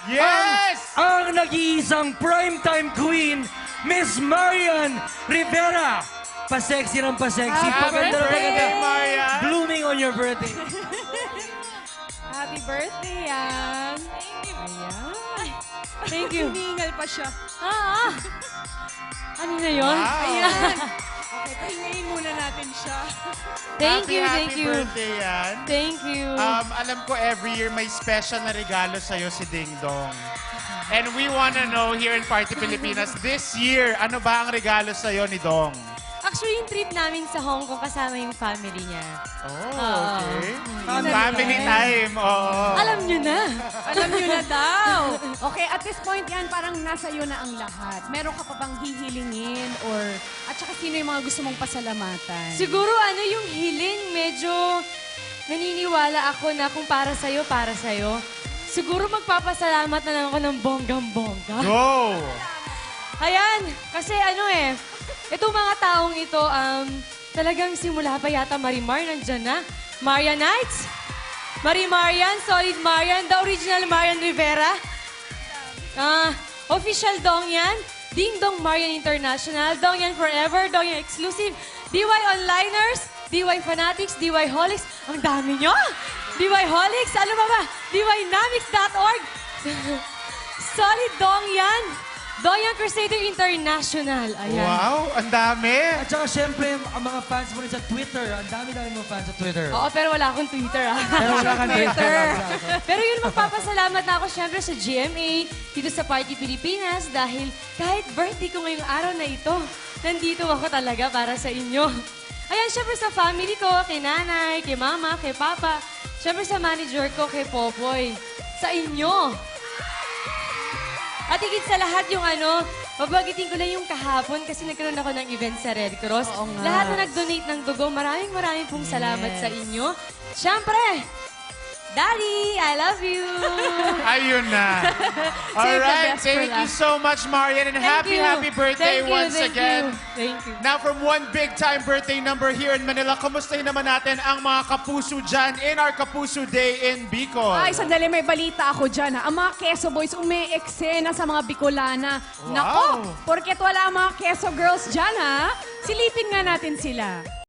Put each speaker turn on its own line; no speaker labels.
Yes!
Ang nag-iisang primetime queen, Miss Marian Rivera. Pa-sexy ng pa-sexy.
Happy
Paganda na
birthday,
paganda.
Marian!
Blooming on your birthday.
Happy birthday, Yan. Ayan. Thank you. Humingal pa siya. Ano na yun?
Wow.
Ayan. Okay, pahingayin muna natin siya.
Happy
Thank you.
birthday, Yan.
Thank you.
Alam ko every year may special na regalo sa'yo si Ding Dong. And we wanna know here in Party Pilipinas, this year, ano ba ang regalo sa'yo ni Dong?
Actually, yung trip namin sa Hong Kong kasama yung family niya.
Oh, okay.
Family
Family time, oo.
Alam niyo na.
Alam niyo na daw. Okay, at this point yan, parang nasa iyo na ang lahat. Meron ka pa bang hihilingin or at saka sino yung mga gusto mong pasalamatan?
Siguro ano yung hiling, medyo naniniwala ako na kung para sa'yo, para sa'yo. Siguro magpapasalamat na lang ako ng bonggang-bongga.
Go!
Ayan, kasi ano itong mga taong ito, talagang simula pa yata Marimar, nandyan na. Marianites, Marian, Solid Marian, the original Marian Rivera. Official Dong yan, Ding Dong Marian International, Dong yan Forever, Dong yan Exclusive, DY Onliners, DY Fanatics, DY Holics, ang dami nyo! DY Holics, ano ba? DYNamics.org, Solid Dong yan, Dong yan Crusader International, ayan.
Wow, ang dami!
At saka syempre, ang mga fans mo rin sa Twitter. Ang dami-dami mga fans sa Twitter.
Oo, pero wala akong Twitter,
Pero wala kang Twitter.
Pero yun, magpapasalamat na ako syempre sa GMA, dito sa Party Pilipinas, dahil kahit birthday ko ngayong araw na ito, nandito ako talaga para sa inyo. Ayan, syempre sa family ko, kay nanay, kay mama, kay papa, syempre sa manager ko, kay Popoy, sa inyo. At higit sa lahat yung mabagitin ko lang yung kahapon kasi nagkaroon ako ng event sa Red Cross.
Oo nga.
Lahat na nag-donate ng dugo, maraming pong salamat sa inyo. Siyempre, Daddy, I love you!
Ayun na.
Save the
Alright,
best for
thank you
last.
so much, Marian, and
Thank
happy,
you.
happy birthday
Thank you,
once
thank
again.
you. Thank you.
Now, from one big-time birthday number here in Manila, kamustahin naman natin ang mga kapuso dyan in our Kapuso Day in Bicol.
Ay, sandali, may balita ako dyan. Ang mga Quezon Boys umi-eksena sa mga Bicolana.
Wow.
Nako, porket wala ang mga Quezon Girls dyan, ha? Silipin nga natin sila.